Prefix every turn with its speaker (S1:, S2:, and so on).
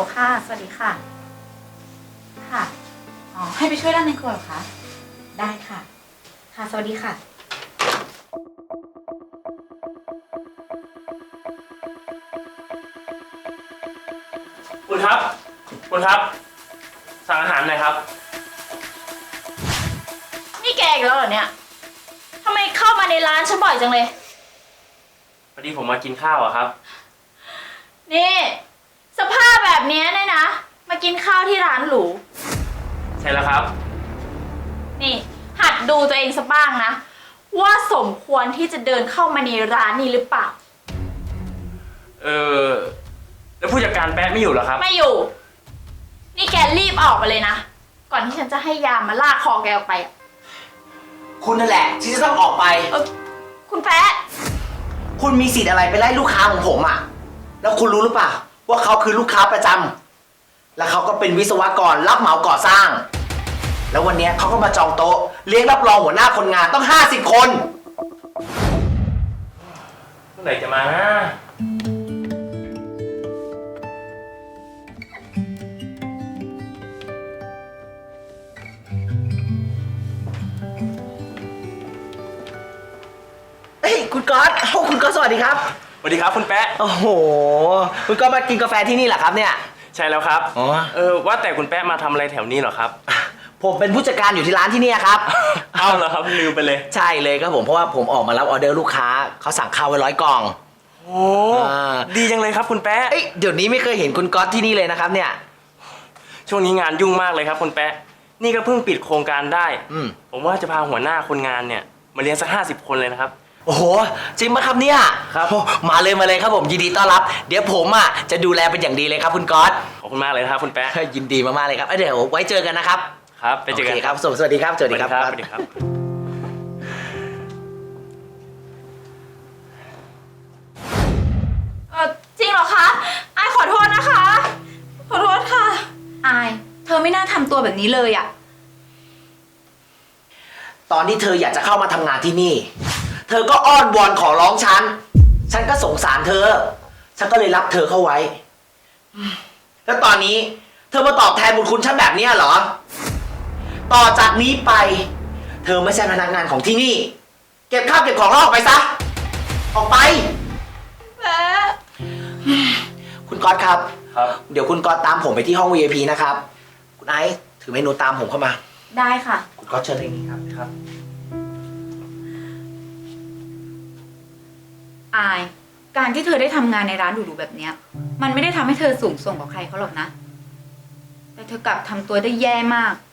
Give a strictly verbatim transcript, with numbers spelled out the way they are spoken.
S1: ค่ะ สวัสดีค่ะ ค่ะ อ๋อ ให้ไปช่วยด้านในครัวเหรอคะ ได้ค่ะ ค่ะ สวัสดีค่ะ
S2: คุณครับ คุณครับ สั่งอาหารหน่อยครับ
S3: นี่แกอีกแล้วเหรอเนี่ยทำไมเข้ามาในร้านฉันบ่อยจังเลย
S2: พอดีผมมากินข้าวอะครับ
S3: นี่ สภาพแบบเนี้ยเนี่ยนะ มากินข้าวที่ร้านหรู
S2: ใช่แล้วครับ
S3: นี่ หัดดูตัวเองสักบ้างนะ ว่าสมควรที่จะเดินเข้ามาในร้านนี้หรือเปล่า
S2: เออแล้วผู้จัดการแป๊ะไม่อยู่เหรอครับ
S3: ไม่อยู่ นี่แกรีบออกไปเลยนะ ก่อนที่ฉันจะให้ยามมาลากคอแกออกไปอะ
S4: คุณนั่นแหละที่จะต้องออกไป
S3: เออคุณแป๊ะ
S4: คุณมีสิทธิ์อะไรไปไล่ลูกค้าของผมอ่ะ แล้วคุณรู้หรือเปล่าว่าเขาคือลูกค้าประจำและเขาก็เป็นวิศวกรรับเหมาก่อสร้าง แล้ววันเนี้ยเขาก็มาจองโต๊ะเลี้ยงรับรองหัวหน้าคนงานต้องห้าสิบคน
S2: เมื่อไหร่จะมานะ
S4: เฮ้ยคุณก๊อตโอ้คุณก๊อตสวัสดีครับ
S2: สวัสดีครับคุณแป๊ะ
S4: โอ้โห คุณก๊อตมากินกาแฟที่นี่เหรอครับเนี่ย
S2: ใช่แล้วครับ
S4: อ๋อ
S2: เออว่าแต่คุณแป๊ะมาทำอะไรแถวนี้เหรอครับ
S4: ผมเป็นผู้จัดการอยู่ที่ร้านที่เนี่ยครับ
S2: เอาเหรอครับลืมไปเลย
S4: ใช่เลยครับผมเพราะว่าผมออกมารับออเดอร์ลูกค้าเขาสั่งข้าวไว้ร้อยกล่อง
S2: โอ้
S4: อ่า
S2: ดีจังเลยครับคุณแป๊ะ
S4: เอ้ยเดี๋ยวนี้ไม่เคยเห็นคุณก๊อตที่นี่เลยนะครับเนี่ย
S2: ช่วงนี้งานยุ่งมากเลยครับคุณแป๊ะ นี่ก็เพิ่งปิดโครงการได้
S4: อืม
S2: ผมว่าจะพาหัวหน้าคนงานเนี่ยมาเลี้ยงสักห้าสิบคนเลยนะครับ
S4: โอ้โหจริงไหมครับเนี่ย
S2: ครับ
S4: โอ้มาเลยมาเลยครับผมยินดีต้อนรับ เดี๋ยวผมอ่ะจะดูแลเป็นอย่างดีเลยครับคุณก๊อต
S2: ขอบคุณมากเลยนะครับคุณแป๊ะ
S4: ยินดีมากๆเลยครับเอ้ยเดี๋ยวไว้เจอกันนะครับ
S2: ครับ ไปเจอกัน
S4: โคครับสวัสดีครับสวัสดีครับ
S2: สวัสดีครับ
S3: เออจริงเหรอคะอายขอโทษนะคะ ขอโทษค่ะ
S1: อาย เธอไม่น่าทำตัวแบบนี้เลยอะ
S4: ตอนที่เธออยากจะเข้ามาทำงานที่นี่ เธอก็อ้อนวอนขอร้องฉัน ฉันก็สงสารเธอ ฉันก็เลยรับเธอเข้าไว้ แล้วตอนนี้เธอมาตอบแทนบุญคุณฉันแบบเนี้ยเหรอ ต่อจากนี้ไป เธอไม่ใช่พนักงานของที่นี่ เก็บข้าวเก็บของแล้วออกไปซะ ออกไป
S3: แป๊ะ
S4: คุณก๊อตครับ
S2: ครับ
S4: เดี๋ยวคุณก๊อตตามผมไปที่ห้อง วี ไอ พี นะครับ คุณไอซ์ถือเมนูตามผมเข้ามา
S1: ได้ค่ะ
S4: คุณก๊อตเชิญเลยนี่ครับ
S2: ครับ
S1: อาย การที่เธอได้ทำงานในร้านหรูๆแบบเนี้ย มันไม่ได้ทำให้เธอสูงส่งกว่าใครเขาหรอกนะ แต่เธอกลับทำตัวได้แย่มาก